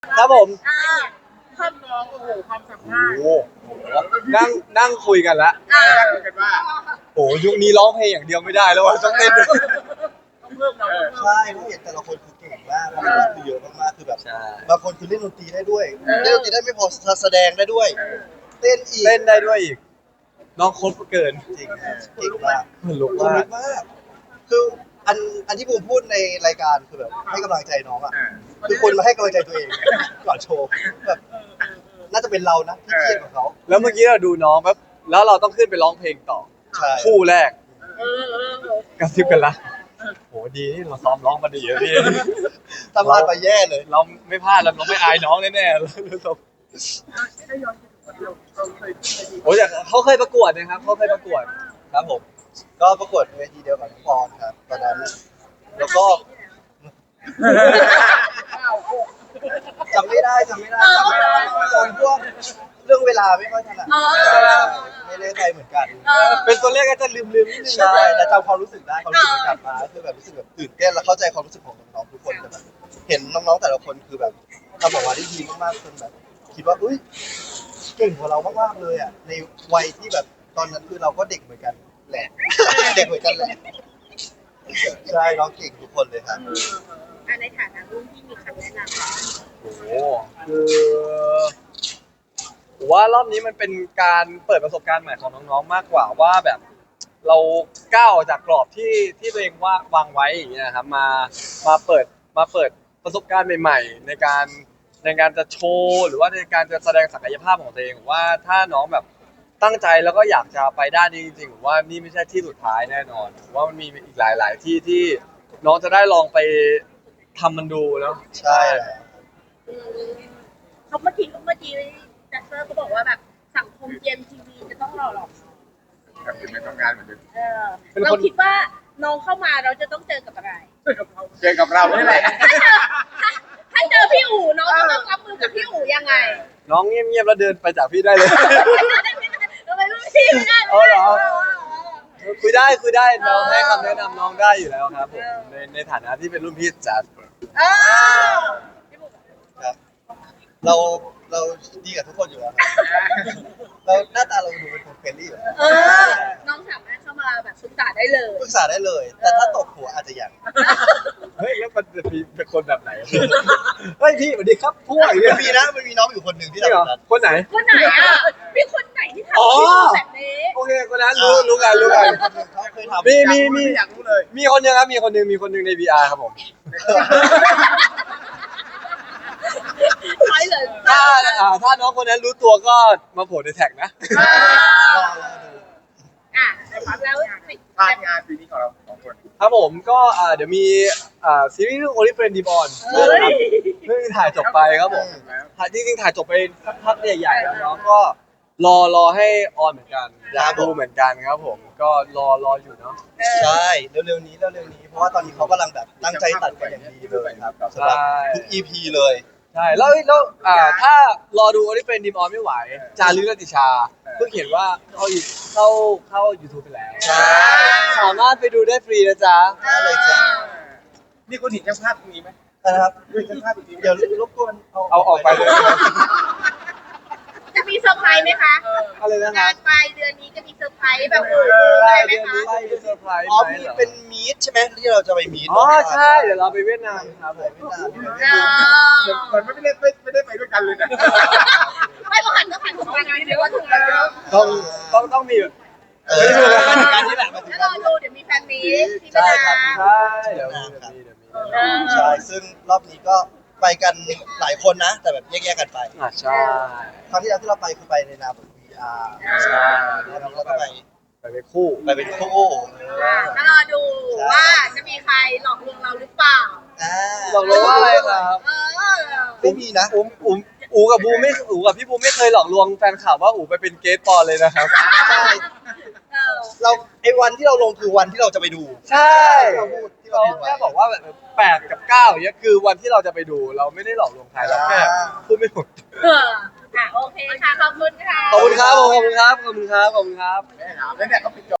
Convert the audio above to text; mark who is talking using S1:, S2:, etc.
S1: ครับผม
S2: ความน้องโอ้โหความสามารถ
S1: โอ้นั่งคุยกันละ
S2: กันว่า
S1: โอ้ยุคนี้ร้องเพลงอย่างเดียวไม่ได้แล้วว่ะต้องเต้นด้วย
S2: ต้องเพิ่มเรา
S3: ใช่เพราะเห็นแต่ละคนคือเก่งมากบางคนคือเยอะมากๆคือแบบบางคนคือเล่นดนตรีได้ด้วยเล่นดนตรีได้ไม่พอแสดงได้ด้วยเต้นอีก
S1: เต้นได้ด้วยอีกน้องโคตรเกิน
S3: จริงครับเก่งมาก
S1: เหมือนลุก
S3: คน
S1: มา
S3: ลุ
S1: ก
S3: กมากคืออันที่ผมพูดในรายการคือแบบให้กำลังใจน้องอ่ะคือคนมาให้กำลังใจตัวเองก่อนโชว์แบบน่าจะเป็นเรานะที่เครียดกับเขา
S1: แล้วเมื่อกี้เราดูน้องแบบแล้วเราต้องขึ้นไปร้องเพลงต่อ
S3: ใช่
S1: คู่แรก
S2: เออ
S1: กระซิบกันละโหดีนี่เราซ้อมร้องมาดีอะพี่
S3: ทำลายไปแย่เลย
S1: เราไม่พลาดเราไม่อายน้องแน่ๆเรา
S2: ถ้าย้อนไปถึงเราเคยขึ้นไปดี
S1: โอ้ยเขาเคยประกวดนะครับเขาเคยประกวด
S3: ครับผมก็ประกวดเวทีเดียวกับน้องปอนครับตอนนั้นแล้วก็จำไม่ได้ตอนพวกเรื่องเวลาไม่ค่อยถนัดไม่ได้ใจเหมือนกัน
S1: เป็นตัวเลขก็จะลืมนิดนึง
S3: ใช่แต่จำความรู้สึกได้ความรู้สึกมันกลับมาคือแบบรู้สึกแบบตื่นเต้นและเข้าใจความรู้สึกของน้องๆทุกคนแต่แบบเห็นน้องๆแต่ละคนคือแบบทำออกมาได้ดีมากๆจนแบบคิดว่าอุ้ยเก่งกว่าเรามากๆเลยอ่ะในวัยที่แบบตอนนั้นคือเราก็เด็กเหมือนกันแหละเด็กเหมือนกันแหละใช่น้องเก่งทุกคนเลยครับ
S2: ในฐานะรุ่นที่มีคำแนะนำ
S1: โอ้โหคือผมว่ารอบนี้มันเป็นการเปิดประสบการณ์ใหม่ของน้องๆมากกว่าว่าแบบเราก้าวออกจากกรอบที่ตัวเองวางไว้อย่างเงี้ยครับมาเปิดประสบการณ์ใหม่ๆในการจะโชว์หรือว่าในการจะแสดงศักยภาพของตัวเองผมว่าถ้าน้องแบบตั้งใจแล้วก็อยากจะไปด้านนี้จริงๆผมว่านี่ไม่ใช่ที่สุดท้ายแน่นอนผมว่ามันมีอีกหลายๆที่ที่น้องจะได้ลองไปทำมันดูแล้ว
S3: ใช่แหละ
S2: เขาเมื่อกี้แจ็คเซอร์เขาบอกว่าแบบสังคมเกมทีวีจะต้องหล่อหลอม
S4: กับเป็นไม่ต้องการเหมือนเดิม
S2: เราคิดว่าน้องเข้ามาเราจะต้องเจอกับอะไร
S4: เจอกับเรานี่แหละ
S2: ถ้าเจอพี่อู๋น้องจะต้องรับมือกับพี่อู๋ยังไง
S1: น้องเงียบๆแล้วเดินไปจากพี่ได้เลย
S2: ทำไมรุ่นพี่ไม่ได้
S1: เอาเหรอ คุยได้น้องให้คำแนะนำน้องได้อยู่แล้วครับผมในฐานะที่เป็นรุ่นพี่จัด
S3: ครับเราดีกับทุกคนอยู่แล้วครับเราหน้าตาเราดูเป็นคนเฟรนลี่อยู่แล้ว
S2: น้องสามารถเข้ามาแบบศึกษาได้เลย
S3: ปรึกษาได้เลย แต่ถ้าตกหัวอาจจะยัง
S1: เฮ้ยแล้วมันจะมีเป็นคนแบบไหนเฮ้ยพี่สวัสดีครับพวกอย่างเงี้ย
S3: มันมีน้องอยู่คนหนึ่งที่
S1: จริงเหรอ
S3: ทำแบบนั้น
S1: คนไหน
S2: คนไหนอ่ะมีคนไหนที่ทำ
S1: อ๋อ
S2: แบบนี้
S1: โอเคคนนั้นรู้กัน
S3: เขาเคยทำ
S1: มี
S4: อยากรู้เลย
S1: มีคนหนึงครับมีคนหนึงใน VR ครับผม
S2: ใช่เลย
S1: ถ้าน้องคนนั้นรู้ตัวก็มาโผล่ในแท็กนะ
S2: ในความแล้ว
S4: พลาดงานปีนี้ของเราสองคน
S1: ครับผมก็เดี๋ยวมีซีรีส์เรื่อง Only Friend Deep On เพิ่งถ่ายจบไปครับผมจริงๆถ่ายจบไปสักพักใหญ่ๆแล้วเนาะก็รอให้ออนเหมือนกันอยากดูเหมือนกันครับผมก็รออยู่เนาะ
S3: ใช่เร็วๆนี้เพราะว่าตอนนี้เขากำลังแบบตั้งใจตัดกันอย่างดีเลยครับสำหรับทุก EP เลย
S1: ใช่แล้วถ้ารอดู Only Friend Deep On ไม่ไหวจารึกรัตติชาเพิ่งเขียนว่าเข้า YouTube ไปแล้ว
S3: ใช่
S1: สามารถไปดูได้ฟรีนะจ๊ะ
S3: ได้เลยจ้ะ
S4: นี่คุณเห็นช่างภาพตรงนี้ไหม
S3: นะครับ
S4: คุณเห็นช่างภาพตรงนี้ไหม
S3: เดี๋ยวรบกวน
S1: เอาออกไปเลย
S2: จะมีเซอร์ไพรส์ไหมคะ
S1: อะไรนะค
S2: งา
S1: รับ
S2: นปลายเดือนนี้จะมีเซอร์ไพรส์แบบอะไรไหม
S1: เดือน
S2: คะ
S1: นี้จะมีเซอร์ไพรส์
S3: อ๋อ
S1: ไหม
S3: มี
S1: เหรอ
S3: เป็นมีดใช่ไหมที่เราจะไปมีด
S1: อ๋อใช่เดี๋ยวเราไปเวียดนามครับผม
S4: เหมือนไม่ได้ไปด้วยกันเลยนะ
S2: ไม่ต้องหันของงานเดี๋ยวว่าถูกแล้ว
S1: ต้องมี
S3: การที่แหละมาถึง
S2: แล้ว
S3: การ
S2: รอ
S3: ที่
S2: ดูเดี๋ยวมีแฟนมีที่
S3: ใช่
S2: เวียด
S3: ครับ
S2: นาม
S1: ใช่เดี๋ยวมี
S3: ใช่ซึ่งรอบนี้ก็ไปกันหลายคนนะ แต่แบบแยกๆกันไป
S1: ใช่
S3: ครั้งที่แล้วที่เราไปคือไปในนามของ VR
S1: ใช่
S3: แล้วเราก็ไป
S1: ไปเป็นคู่
S3: ไปเป็นคู่
S2: ก็รอดูว่าจะมีใครหลอกลวงเราหรือเปล่า
S1: บอกเลยว่าอะไรครับ
S3: ไม่มีนะ
S1: อูกับพี่บูไม่เคยหลอกลวงแฟนข่าวว่าอูไปเป็นเกสปอนเลยนะครับ
S3: ใช่เราไอ้วันที่เราลงคือวันที่เราจะไปดู
S1: ใช่
S3: เราพูดที่
S1: เรา
S3: เราพูดไว้
S1: แค่บอกว่าแบบ8 กับ 9อย่างเงี้ยคือวันที่เราจะไปดูเราไม่ได้หลอกลวงใครเราแค่พูดไม่หมด
S2: โอเคค่ะ ขอบคุณค่ะ
S1: ขอบคุณครับผมขอบคุณครับ
S4: แม่ถามแล้วเนี่ยเขาปิด